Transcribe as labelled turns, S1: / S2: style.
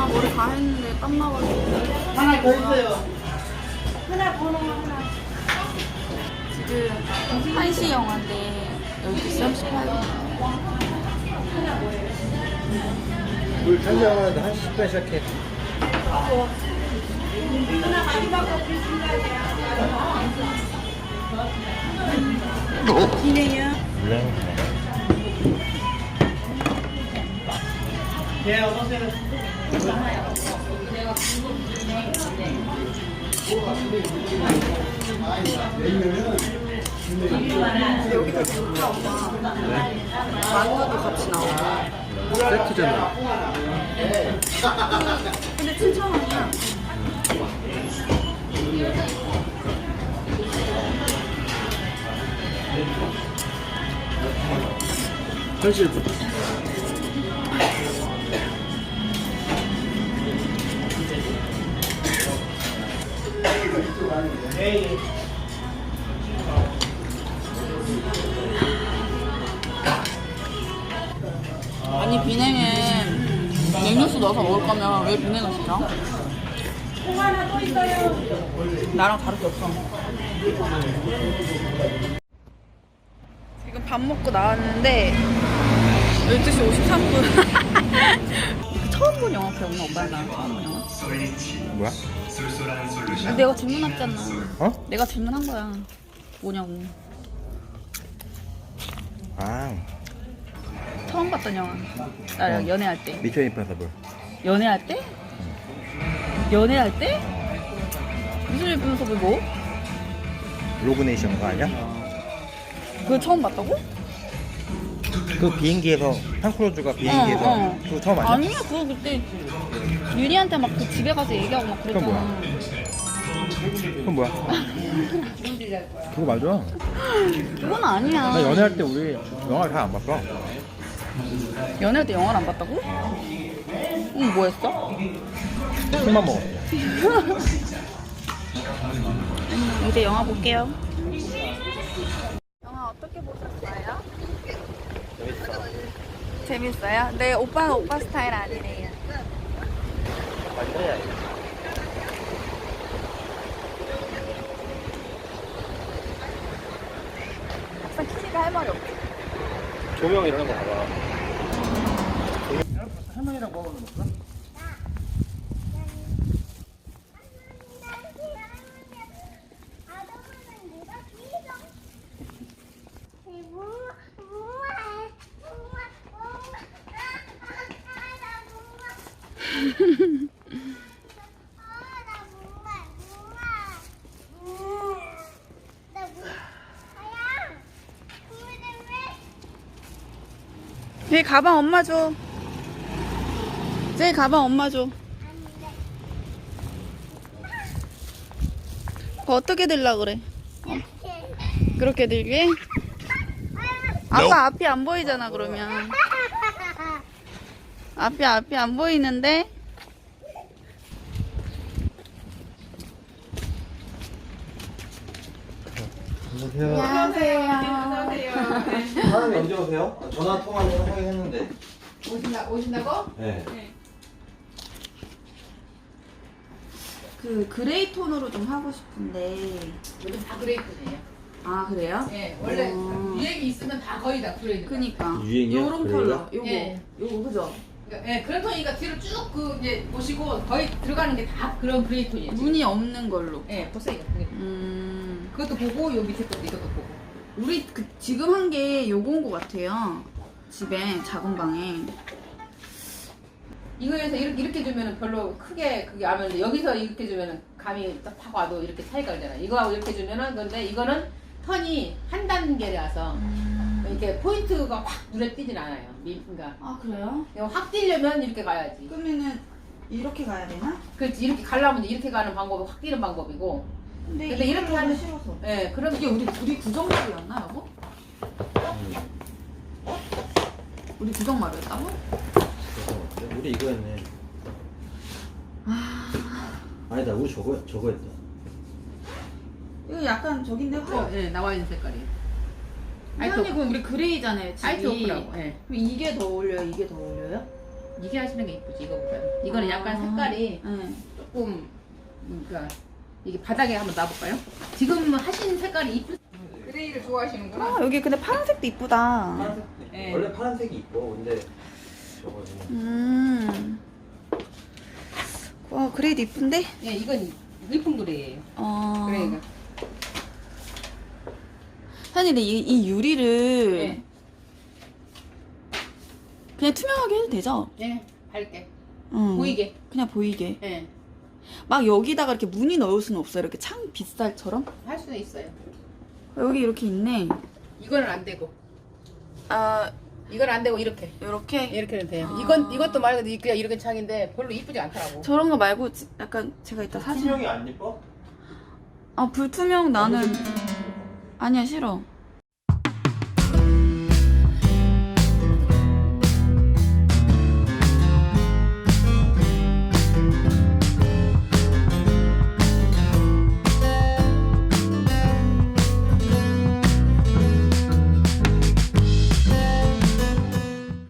S1: 머리 다 했는데 땀 나가지고.
S2: 하나 더 있어요.
S1: 지금 1시 영화인데 12시 38분.
S3: 물 탄생하는데 한 10분 시작해.
S1: 기네요.
S2: 네, 어서오세요.
S1: 여기가 좋다, 엄마. 만두도 같이 나오고.
S3: 세트잖아.
S1: 근데 7,000원이야.
S3: 현실.
S1: 아니, 비냉에 냉육수 넣어서 먹을 거면 왜 비냉을 시켜? 나랑 다를 게 없어. 지금 밥 먹고 나왔는데 12시 53분. 처음 본 영화 기억나? 오빠랑 나랑 처음 본 영화?
S3: 뭐야?
S1: 내가 질문했잖아.
S3: 어?
S1: 내가 질문한 거야. 뭐냐고.
S3: 아,
S1: 처음 봤던 영화. 나 연애할 때.
S3: 미션 임파서블.
S1: 연애할 때? 연애할 때? 무슨 예쁘면서 뭐?
S3: 로그네이션 거 아니야?
S1: 그걸 처음 봤다고?
S3: 그 비행기에서 탕크루즈가 비행기에서
S1: 어.
S3: 그거 처음 아니야?
S1: 아니야, 그거 그때 윤희한테 막 그 집에 가서 얘기하고 막
S3: 그건
S1: 그랬잖아.
S3: 그건 뭐야? 그거 맞아.
S1: 그건 아니야.
S3: 나 연애할 때 우리 영화를 잘 안 봤어.
S1: 연애할 때 영화를 안 봤다고? 응, 뭐 했어?
S3: 술만 먹었어.
S1: 이제 영화 볼게요. 영화 어떻게 보셨어요? 재밌어요? 네, 오빠는 오빠 스타일 아니래요. 막상 키니까 할 말이 없어.
S3: 조명 이런 거 봐봐. 할머니랑 먹어는 먹어?
S1: 제 가방 엄마 줘. 제 가방 엄마 줘. 그거 어떻게 들라 그래? 그렇게 들게? 아빠 앞이 안 보이잖아 그러면. 앞이 안 보이는데?
S3: 안녕하세요.
S1: 안녕하세요.
S3: 사람이 언제 오세요? 전화 통화를 하긴 했는데.
S4: 오신다고?
S3: 네.
S1: 그 그레이 톤으로 좀 하고 싶은데.
S4: 요즘 다 그레이드네요.
S1: 아 그래요?
S4: 예, 원래
S1: 어.
S4: 유행이 있으면 다 거의 다 그레이드.
S1: 그니까.
S3: 유행이요?
S1: 요런
S3: 그래요?
S1: 컬러. 요거.
S4: 예.
S1: 요거 그죠?
S4: 그러니까, 예, 그런 톤이니까 뒤로 쭉 그 이제 보시고 거의 들어가는 게 다 그런 그레이 톤이에요.
S1: 무늬 없는 걸로.
S4: 예, 보세요. 그것도 보고 요 밑에 것도 이것도 보고.
S1: 우리 그 지금 한 게 요건 것 같아요. 집에 작은 방에.
S4: 이거에서 이렇게 주면은 별로 크게 그게 안 오는데 여기서 이렇게 주면은 감이 딱 타고 와도 이렇게 차이가 나잖아. 이거하고 이렇게 주면은 근데 이거는 턴이 한 단계라서 이렇게 포인트가 확 눈에 띄진 않아요. 그러니까
S1: 아 그래요?
S4: 이거 확 띄려면 이렇게 가야지.
S1: 그러면은 이렇게 가야 되나?
S4: 그렇지 이렇게 가려면 이렇게 가는 방법이 확 뛰는 방법이고. 근데 이렇게 하는
S1: 싫어서.
S4: 예, 그럼
S1: 이게 우리 구정말이었나 여보? 우리 구정말이었다고?
S3: 우리 이거 했네. 아니다, 우리 저거 했다.
S1: 이거 약간 저긴데 화.
S4: 예, 나와 있는 색깔이.
S1: 아니 그럼 우리 그레이잖아요. 집이.
S4: 아이트 오프라고. 예.
S1: 그럼 이게 더 어울려요? 이게 더 어울려요?
S4: 이게 하시는 게 이쁘지 이거보다. 이거는 약간 색깔이
S1: 네.
S4: 조금 그러니까 이게 바닥에 한번 놔볼까요? 지금 하신 색깔이 이쁘. 그레이를 좋아하시는구나.
S1: 아, 여기 근데 파란색도 이쁘다.
S3: 파란색.
S4: 네.
S3: 원래 파란색이 이뻐. 근데 저거는
S1: 와, 그레이도 이쁜데?
S4: 예, 이건 일품 그레이예요. 그레이가.
S1: 사장님, 근데 이 유리를
S4: 예.
S1: 그냥 투명하게 해도 되죠?
S4: 예, 밝게
S1: 응.
S4: 보이게.
S1: 그냥 보이게.
S4: 예,
S1: 막 여기다가 이렇게 무늬 넣을 수는 없어요. 이렇게 창 빗살처럼.
S4: 할 수는 있어요.
S1: 여기 이렇게 있네.
S4: 이거는 안 되고,
S1: 아,
S4: 이건 안 되고 이렇게
S1: 이렇게.
S4: 돼요.
S1: 아.
S4: 이것도 말 그대로 그냥 이렇게 창인데 별로 이쁘지 않더라고.
S1: 저런 거 말고 약간 제가 이따 사진.
S3: 투명이 안 예뻐?
S1: 아, 불투명 나는 아니야, 싫어.